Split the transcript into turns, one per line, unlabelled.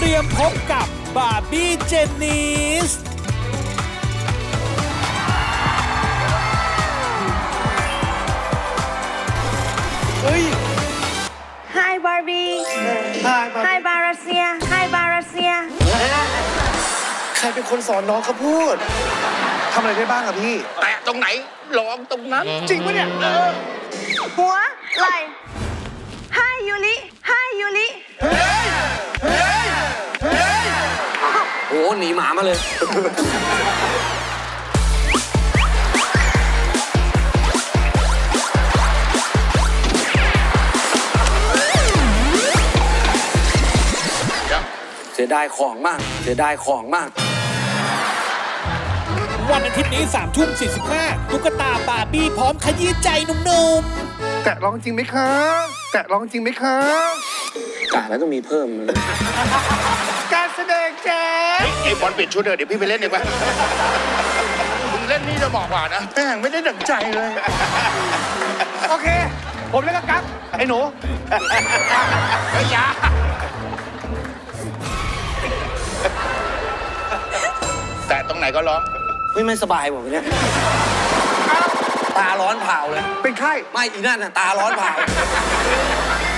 ตรียมพบกับบาร์บี้เจนนิสเฮ้ย
Hi Barbie Hi Barasia Hi Barasia
ใครเป็นคนสอนน้องเขาพูดทำอะไรได้บ้างอะพี่
แตะตรงไหนลองตรงนั้น
จริงปะเนี่ย
หัวไหล่ Hi Yuli Hi Yuli
โอ้หนีหมามาเลย เสียดายของมาก เสียดายของมาก
วันอาทิตย์นี้3:45ตุ๊กตาบาร์บี้พร้อมขยี้ใจหนุ่ม
แตะร้องจริงไหมคะ แตะร้องจริงไหมคะ
กะแล้วต้องมีเพิ่ม
การแสดงแจ๊ส
ไอ้บอลเปลี่ยนชุดเถอะเดี๋ยวพี่ไปเล่นดีกว่ามึงเล่นนี่จะบอกว่านะแม่งไม่ได้ดั่งใจเลย
โอเค ผมเล่นกับกั๊บไอ้หนู
เฮ้ยอยาแต่ตรงไหนก็ร้อง
ไม่สบายบอกเนี่ยตาร้อนเผาเลย
เป็นไข้
ไม่อีนั่นน่ะตาร้อนเผา